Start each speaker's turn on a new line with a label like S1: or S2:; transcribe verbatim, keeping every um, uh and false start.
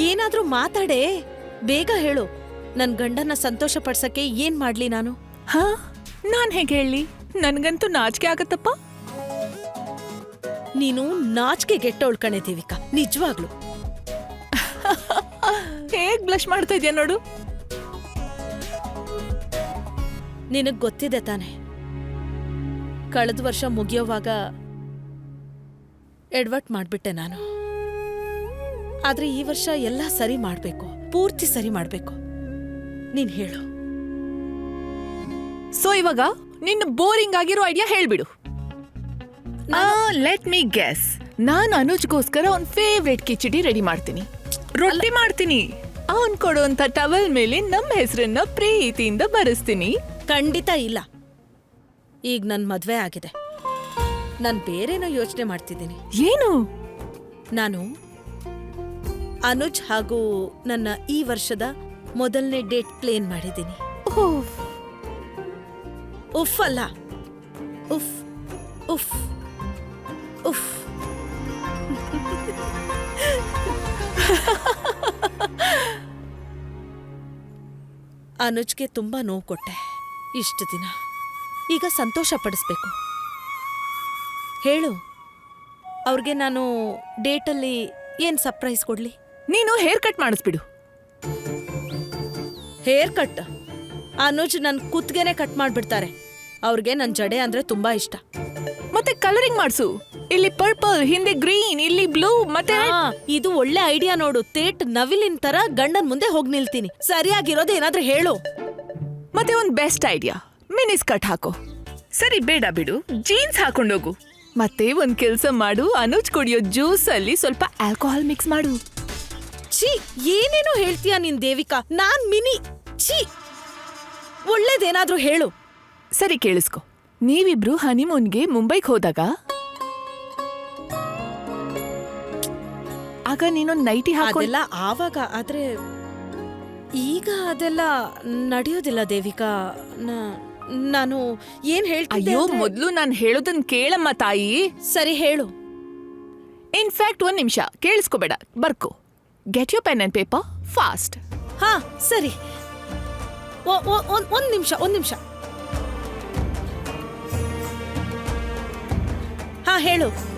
S1: ಏನಾದ್ರೂ ಮಾತಾಡೆ, ಬೇಗ ಹೇಳು. ನನ್ ಗಂಡನ್ನ ಸಂತೋಷ ಪಡ್ಸಕ್ಕೆ ಏನ್ ಮಾಡ್ಲಿ ನಾನು?
S2: ಹಾ, ನಾನ್ ಹೇಗೆ ಹೇಳಿ? ನನ್ಗಂತೂ ನಾಚಿಕೆ ಆಗತ್ತಪ್ಪ.
S1: ನೀನು ನಾಚಿಕೆ ಗೆಟ್ಟವಳು ಕಣೆ ದೇವಿಕಾ, ನಿಜವಾಗ್ಲು.
S2: ಹೇಗ್ ಬ್ಲಶ್ ಮಾಡ್ತಾ ಇದ್ಯಾ ನೋಡು.
S1: ನಿನಗ್ ಗೊತ್ತಿದೆ ತಾನೆ, ಕಳೆದ ವರ್ಷ ಮುಗಿಯೋವಾಗ ಎಡ್ವರ್ಟ್ ಮಾಡ್ಬಿಟ್ಟೆ ನಾನು. ಆದ್ರೆ ಈ ವರ್ಷ ಎಲ್ಲ ಸರಿ ಮಾಡ್ಬೇಕು, ಪೂರ್ತಿ ಸರಿ ಮಾಡ್ಬೇಕು. ನೀನ್ ಹೇಳು.
S2: ಸೊ ಇವಾಗ ನಿನ್ನ ಬೋರಿಂಗ್ ಆಗಿರೋ ಐಡಿಯಾ ಹೇಳ್ಬಿಡು. Let me guess. ನಾನು ಅನುಜ್ಗೋಸ್ಕರ ಅವ್ನ್ ಫೇವ್ರೇಟ್ ಕಿಚಡಿ ರೆಡಿ ಮಾಡ್ತೀನಿ, ರೊಟ್ಟಿ ಮಾಡ್ತೀನಿ. ಅವನ್ ಕೊಡುವಂತ ಟವಲ್ ಮೇಲೆ ನಮ್ಮ ಹೆಸರನ್ನ ಪ್ರೀತಿಯಿಂದ ಬರೆಸ್ತೀನಿ.
S1: ಖಂಡಿತ ಇಲ್ಲ. ಈಗ ನನ್ ಮದ್ವೆ ಆಗಿದೆ, ನಾನ್ ಬೇರೆನೋ ಯೋಚನೆ ಮಾಡ್ತಿದ್ದೀನಿ.
S2: ಏನು?
S1: ನಾನು ಅನುಜ್ ಹಾಗೂ ನನ್ನ ಈ ವರ್ಷದ ಮೊದಲನೇ ಡೇಟ್ ಪ್ಲೇನ್ ಮಾಡಿದ್ದೀನಿ. ಉಫ್ ಅಲ್ಲ, ಉಫ್ ಉಫ್ ಉಫ್. ಅನುಜ್ಗೆ ತುಂಬಾ ನೋವು ಕೊಟ್ಟೆ ಇಷ್ಟು ದಿನ. ಈಗ ಸಂತೋಷ ಪಡಿಸ್ಬೇಕು. ಹೇಳು, ಅವ್ರಿಗೆ ನಾನು ಡೇಟಲ್ಲಿ ಏನ್ ಸರ್ಪ್ರೈಸ್ ಕೊಡ್ಲಿ?
S2: ನೀನು ಹೇರ್ ಕಟ್ ಮಾಡಿಸ್ಬಿಡು.
S1: Hair cut? ಅನುಜ್ ನನ್ ಕುತ್ಗೆನೆ ಕಟ್ ಮಾಡ್ಬಿಡ್ತಾರೆ. ಅವ್ರಿಗೆ ನನ್ ಜಡೆ ಅಂದ್ರೆ ತುಂಬಾ ಇಷ್ಟ.
S2: ಮತ್ತೆ ಕಲರಿಂಗ್ ಮಾಡ್ಸು. ಇಲ್ಲಿ ಪರ್ಪಲ್, ಹಿಂದೆ ಗ್ರೀನ್, ಇಲ್ಲಿ ಬ್ಲೂ. ಮತ್ತೆ
S1: ಇದು ಒಳ್ಳೆ ಐಡಿಯಾ ನೋಡು. ತೇಟ್ ನವಿಲಿನ ತರ ಗಂಡನ್ ಮುಂದೆ ಹೋಗ್ ನಿಲ್ತೀನಿ. ಸರಿಯಾಗಿರೋದು ಏನಾದ್ರೂ ಹೇಳು.
S2: ಮತ್ತೆ ಒಂದ್ ಬೆಸ್ಟ್ ಐಡಿಯಾ, ಮಿನಿ ಸ್ಕರ್ಟ್ ಹಾಕೋ. ಸರಿ ಬೇಡ ಬಿಡು, ಜೀನ್ಸ್ ಹಾಕೊಂಡೋಗು. ಮತ್ತೆ ಒಂದ್ ಕೆಲ್ಸ ಮಾಡು, ಅನುಜ್ ಕುಡಿಯೋ ಜ್ಯೂಸ್ ಅಲ್ಲಿ ಸ್ವಲ್ಪ ಆಲ್ಕೋಹಾಲ್ ಮಿಕ್ಸ್ ಮಾಡು.
S1: ಛೀ, ಏನೇನೋ ಹೇಳ್ತೀಯ ನೀನ್ ದೇವಿಕಾ. ನಾನ್ ಮಿನಿ. ಛೀ, ಒಳ್ಳೇದೇನಾದ್ರೂ ಹೇಳು.
S2: ಸರಿ ಕೇಳಿಸ್ಕೊ. ನೀವಿಬ್ರು ಹನಿಮೂನ್ಗೆ ಮುಂಬೈಗೆ ಹೋದಾಗ ಆಗ ನೀನೊಂದ್ ನೈಟಿ ಹಾಕೋಲ್ಲ
S1: ಆವಾಗ. ಆದ್ರೆ ಈಗ ಅದೆಲ್ಲ ನಡೆಯೋದಿಲ್ಲ ದೇವಿಕಾ. ನಾನು ಏನ್ ಹೇಳ್ತಿದ್ದೆ?
S2: ಅಯ್ಯೋ, ಮೊದ್ಲು ನಾನ್ ಹೇಳೋದನ್ ಕೇಳಮ್ಮ ತಾಯಿ.
S1: ಸರಿ ಹೇಳು.
S2: ಇನ್ಫ್ಯಾಕ್ಟ್ ಒಂದ್ ನಿಮಿಷ ಕೇಳಿಸ್ಕೋಬೇಡ, ಬರ್ಕೋ. Get you pen and paper fast.
S1: ಹಾ ಸರಿ, ಒಂದ್ ನಿಮಿಷ ಒಂದ್ ನಿಮಿಷ ಹಾ ಹೇಳು.